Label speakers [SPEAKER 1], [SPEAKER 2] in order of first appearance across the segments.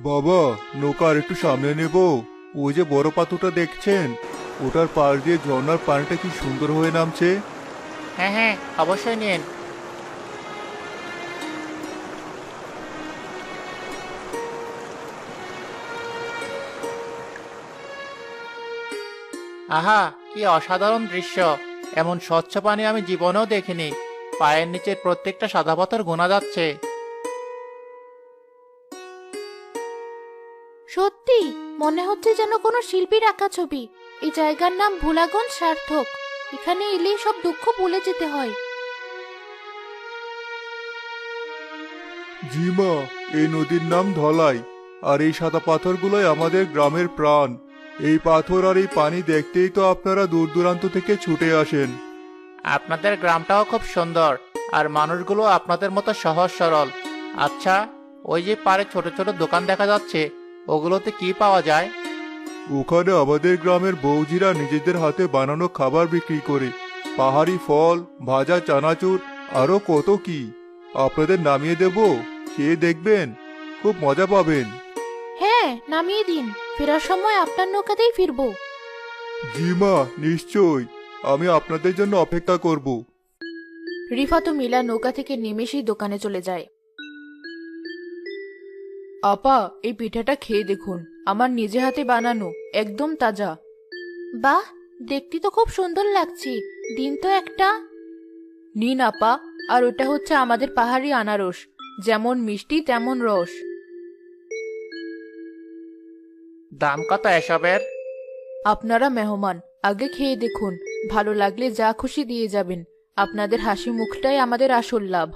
[SPEAKER 1] বাবা, নৌকা আর একটু সামনে নেব। ওই যে বড় পাথরটা দেখছেন, ওটার পাশ দিয়ে ঝর্ণার পানিটা কি সুন্দর হয়ে নামছে।
[SPEAKER 2] হ্যাঁ হ্যাঁ, অবশ্যই নিন। আহা, কি অসাধারণ দৃশ্য! এমন স্বচ্ছ পানি আমি জীবনেও দেখিনি। পায়ের নিচের প্রত্যেকটা সাদা পাথর গোনা যাচ্ছে।
[SPEAKER 3] সত্যি মনে হচ্ছে যেন কোনো শিল্পীর আঁকা ছবি। এই জায়গার নাম ভোলাগঞ্জ সার্থক। এখানে এলেই সব দুঃখ ভুলে যেতে হয়।
[SPEAKER 1] জি মা, এই নদীর নাম ধলাই। আর এই সাদা পাথরগুলোই আমাদের গ্রামের প্রাণ। এই পাথর আর এই পানি দেখতেই তো আপনারা দূর দূরান্ত থেকে ছুটে আসেন।
[SPEAKER 2] আপনাদের গ্রামটাও খুব সুন্দর, আর মানুষগুলো আপনাদের মতো সহজ সরল। আচ্ছা, ওই যে পাড়ে ছোট ছোট দোকান দেখা যাচ্ছে, ওগুলোতে কি পাওয়া যায়?
[SPEAKER 1] ওখানে আমাদের গ্রামের বৌজিরা নিজেদের হাতে বানানো খাবার বিক্রি করে। পাহাড়ি ফল, ভাজা চানাচুর, আরো কত কি। আপনাদের নামিয়ে দেব, খেয়ে দেখবেন, খুব মজা পাবেন।
[SPEAKER 3] হ্যাঁ, নামিয়ে দিন। ফেরার সময় আপনার নৌকাতেই ফিরবো।
[SPEAKER 1] জি মা, নিশ্চয়। আমি আপনাদের জন্য অপেক্ষা করব।
[SPEAKER 3] রিফাত ও মিলা নৌকা থেকে নেমে সেই দোকানে চলে যায়। আপা, এই পিঠাটা খেয়ে দেখুন। আমার নিজে হাতে বানানো, একদম তাজা। বাহ, দেখতে তো খুব সুন্দর লাগছে। দিন তো একটা। নিন আপা। আর ওটা হচ্ছে আমাদের পাহাড়ি আনারস, যেমন মিষ্টি তেমন রস।
[SPEAKER 2] দাম কত এসবের?
[SPEAKER 3] আপনারা মেহমান, আগে খেয়ে দেখুন। ভালো লাগলে যা খুশি দিয়ে যাবেন। আপনাদের হাসি মুখটাই আমাদের আসল লাভ।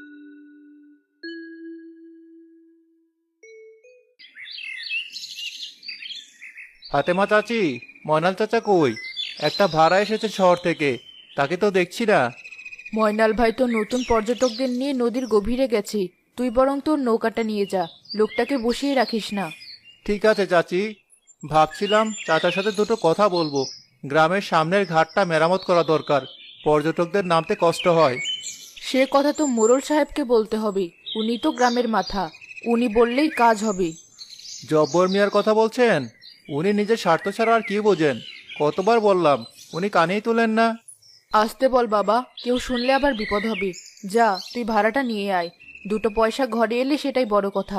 [SPEAKER 2] ফাতেমা চাচি, ময়নাল চাচা কই? একটা ভাড়া এসেছে শহর থেকে, তাকে তো দেখছি না।
[SPEAKER 3] ময়নাল ভাই তো নতুন পর্যটকদের নিয়ে নদীর গভীরে গেছে। তুই বরং তোর নৌকাটা নিয়ে যা। লোকটাকে বসিয়ে রাখিস না।
[SPEAKER 2] ঠিক আছে চাচি, ভাবছিলাম চাচার সাথে দুটো কথা বলবো। গ্রামের সামনের ঘাটটা মেরামত করা দরকার, পর্যটকদের নামতে কষ্ট হয়।
[SPEAKER 3] সে কথা তো মোড়ল সাহেবকে বলতে হবে। উনি তো গ্রামের মাথা। উনি বললেই কাজ হবে।
[SPEAKER 2] জব্বর মিয়ার কথা বলছেন? উনি নিজের স্বার্থ ছাড়া আর কি বোঝেন? কতবার বললাম, উনি কানেই তোলেন না।
[SPEAKER 3] আসতে বল বাবা, কেউ শুনলে আবার বিপদ হবে। যা, তুই ভাড়াটা নিয়ে আয়। দুটো পয়সা ঘরে এলে সেটাই বড় কথা।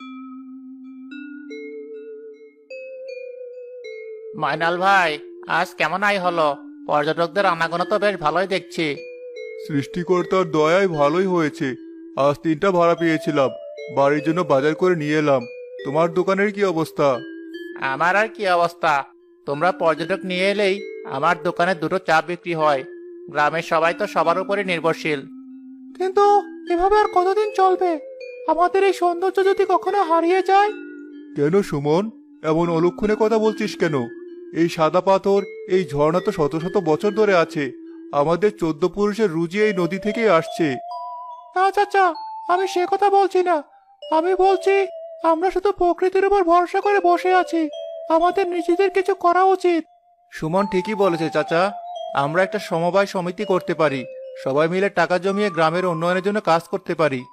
[SPEAKER 2] ময়নাল ভাই, আজ কেমন আয় হলো? পর্যটকদের আনাগোনা তো বেশ ভালোই দেখছি।
[SPEAKER 1] সৃষ্টিকর্তার দয়ায় ভালোই হয়েছে। আজ 3টা ভাড়া পেয়েছিলাম, বাড়ির জন্য বাজার করে নিয়ে এলাম। তোমার দোকানের কি অবস্থা?
[SPEAKER 2] আমার আর কি অবস্থা? তোমরা পর্যটক নিয়ে এলেই আমার দোকানে দুটো চা বিক্রি হয়। গ্রামের সবাই তো সবার উপরে নির্ভরশীল। কিন্তু এভাবে আর কতদিন চলবে? আমাদের এই সৌন্দর্য যদি কখনো হারিয়ে যায়?
[SPEAKER 1] কেন সুমন, এমন অলক্ষণে কথা বলছিস কেন? এই সাদা পাথর, এই ঝর্ণা তো শত শত বছর ধরে আছে। আমাদের 14 পুরুষের রুজি এই নদী থেকেই আসছে।
[SPEAKER 2] না চাচা, আমি সে কথা বলছি না। আমি বলছি, আমরা শুধু প্রকৃতির উপর ভরসা করে বসে আছি। আমাদের নিজেদের কিছু করা উচিত। সুমন ঠিকই বলেছে চাচা। আমরা একটা সমবায় সমিতি করতে পারি। সবাই মিলে টাকা জমিয়ে গ্রামের উন্নয়নের জন্য কাজ করতে পারি।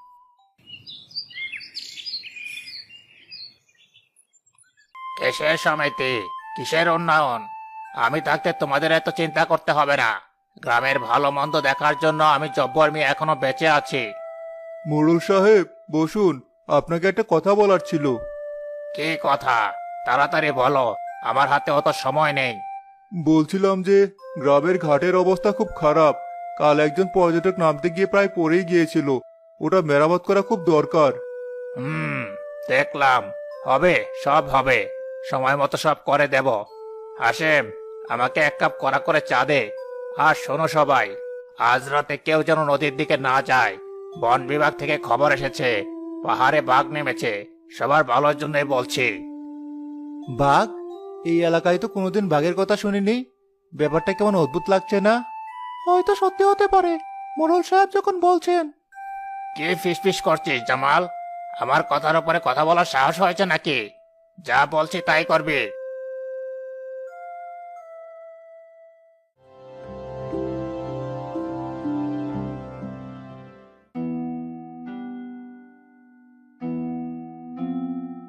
[SPEAKER 2] কিসের সমিতি? কিসের উন্নয়ন? আমি থাকতে তোমাদের এত চিন্তা করতে হবে না। গ্রামের ভালো মন্দ দেখার জন্য আমি জব্বর মিয়া এখনো বেঁচে আছি।
[SPEAKER 1] মোড়ল সাহেব, বসুন। আপনাকে একটা কথা বলার ছিল।
[SPEAKER 2] কি কথা? তাড়াতাড়ি বলো, আমার হাতে অত সময় নেই।
[SPEAKER 1] বলছিলাম যে গ্রামের ঘাটের অবস্থা খুব খারাপ। কাল একজন পর্যটক নামতে গিয়ে প্রায় পড়েই গিয়েছিল। ওটা মেরামত করা খুব দরকার।
[SPEAKER 2] হুম, দেখলাম। হবে, সব হবে। সময় মতো সব করে দেব। হাসেম, আমাকে 1 কাপ কড়া করে চা দে। আর শোনো সবাই, আজ রাতে কেউ যেন নদীর দিকে না যায়। বন বিভাগ থেকে খবর এসেছে, পাহাড়ে বাঘ নেমেছে। সবার ভালোর জন্যই বলছি। বাঘ? এই এলাকায় তো কোনোদিন বাঘের কথা শুনিনি। ব্যাপারটা কেমন অদ্ভুত লাগছে না? হয়তো সত্যি হতে পারে, মোড়ল সাহেব যখন বলছেন। কে ফিসফিস করছিস জামাল? আমার কথার উপরে কথা বলার সাহস হয়েছে নাকি? যা বলছি তাই করবি।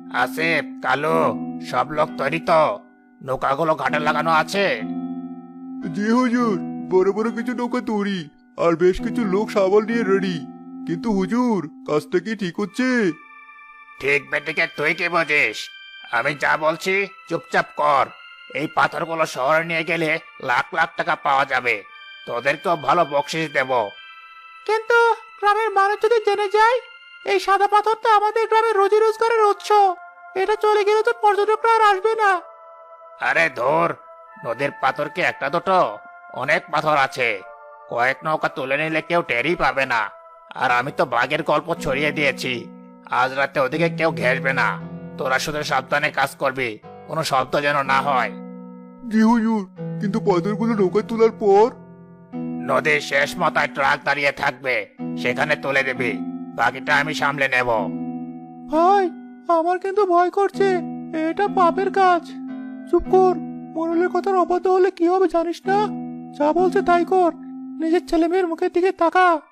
[SPEAKER 2] আসিফ, কালু, সব লোক তৈরি তো? নৌকাগুলো ঘাটে লাগানো আছে?
[SPEAKER 1] জি হুজুর, বড় বড় কিছু নৌকা তৈরি আর বেশ কিছু লোক সাবল নিয়ে রেডি। কিন্তু হুজুর, কাজটা কি ঠিক হচ্ছে?
[SPEAKER 2] ঠিক বেটিকে তুই কি বুঝিস? আমি যা বলছি চুপচাপ কর। এই পাথরগুলো শহরে নিয়ে গেলে লাখ লাখ টাকা পাওয়া যাবে। তোদেরকেও ভালো বকশিস দেব। কিন্তু গ্রামের মানুষ যদি জেনে যায় এই সাদা পাথরটা আমাদের গ্রামের রোজি রোজগারের উৎস, এটা চলে গেলে তো পর্যটকরা আর আসবে না। আরে ধর, নদীর পাথর কি একটা দুটো? অনেক পাথর আছে। কয়েক নৌকা তুলে নিলে কেউ টেরই পাবে না। আর আমি তো বাঘের গল্প ছড়িয়ে দিয়েছি। আজ রাতে ওদিকে কেউ ঘেসবে না। তোরা শুধু সাবধানে কাজ করবি, কোনো শব্দ যেন না হয়।
[SPEAKER 1] জি হুজুর, কিন্তু পাথরগুলো নৌকায় তোলার পর?
[SPEAKER 2] নদীর শেষ মাথায় ট্রাক দাঁড়িয়ে থাকবে, সেখানে তুলে দিবি। বাকিটা আমি সামলে নেব।
[SPEAKER 1] ভাই, আমার কিন্তু ভয় করছে। এটা পাপের কাজ। চুপ কর, মোরলের কথার অবাধ্য হলে কি হবে জানিস না? যা বলছে তাই কর। নিজের ছেলে মেয়ের মুখের দিকে তাকা।